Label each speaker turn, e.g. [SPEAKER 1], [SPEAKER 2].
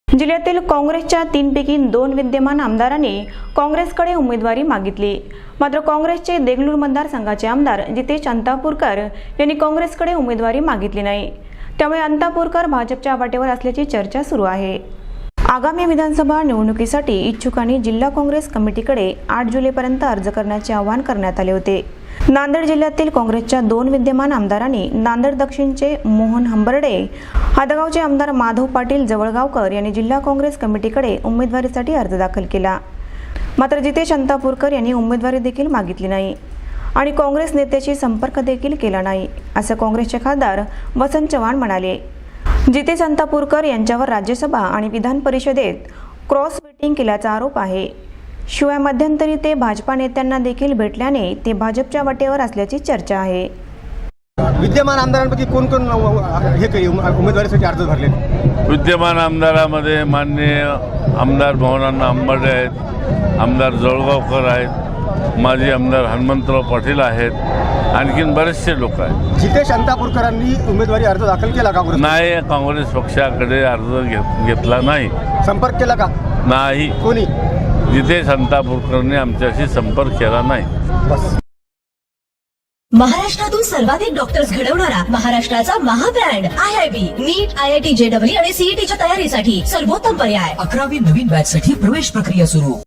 [SPEAKER 1] जिल्ह्यातील काँग्रेसच्या 3 पैकी 2 विद्यमान आमदारांनी काँग्रेसकडे उमेदवारी मागितली। मात्र काँग्रेसचे देगलूर मतदारसंघाचे आमदार जितेश अंतापूरकर यांनी काँग्रेसकडे उमेदवारी मागितली नाही। त्यामुळे अंतापूरकर भाजपच्या वाटेवर असल्याची चर्चा सुरू आहे। आगामी विधानसभा निवडणुकीसाठी इच्छुकांनी जिल्हा काँग्रेस कमिटीकडे 8 जुलैपर्यंत अर्ज करण्याचे आवाहन करण्यात आले होते। नांदेड जिल्ह्यातील काँग्रेसच्या 2 विद्यमान आमदारांनी नांदेड दक्षिणचे मोहन हंबर्डे, हदगावचे आमदार माधव पाटील जवळगावकर यांनी जिल्हा काँग्रेस कमिटीकडे उमेदवारीसाठी अर्ज दाखल केला। मात्र जितेश अंतापूरकर यांनी उमेदवारी देखील मागितली नाही आणि काँग्रेस नेत्याशी संपर्क देखील केला नाही, असं काँग्रेसचे खासदार वसंत चव्हाण म्हणाले। जितेश अंतापूरकर यांच्यावर राज्यसभा आणि विधान परिषदेत क्रॉस वोटिंग केल्याचा आरोप आहे। शिवाय मध्यंतरी ते भाजपा नेत्यांना देखील भेटल्याने ते भाजपच्या वाटेवर असल्याची चर्चा आहे।
[SPEAKER 2] विद्यमान आमदारांपैकी कोण कोण उमेदवारीसाठी अर्ज भरले?
[SPEAKER 3] विद्यमान आमदारामध्ये माननीय आमदार भवनांना अंबर्डे आहेत, आमदार जळगावकर आहेत, माजी आमदार हनुमंतराव पाटील आहेत, आणखीन बरेचसे लोक आहेत।
[SPEAKER 2] जितेश अंतापूरकरांनी उमेदवारी अर्ज दाखल केला का?
[SPEAKER 3] नाही, काँग्रेस पक्षाकडे अर्ज घेतला नाही।
[SPEAKER 2] संपर्क केला का?
[SPEAKER 3] नाही,
[SPEAKER 2] कोणी?
[SPEAKER 3] जितेश अंतापूरकरांनी आमच्याशी संपर्क केला नाही।
[SPEAKER 2] बस।
[SPEAKER 4] महाराष्ट्रातून सर्वाधिक डॉक्टर्स घडवणारा महाराष्ट्राचा महाब्रँड IIB नीट, IIT JEE आणि CETच्या तयारीसाठी सर्वोत्तम पर्याय।
[SPEAKER 5] 11वी नवीन बॅच साठी प्रवेश प्रक्रिया सुरू।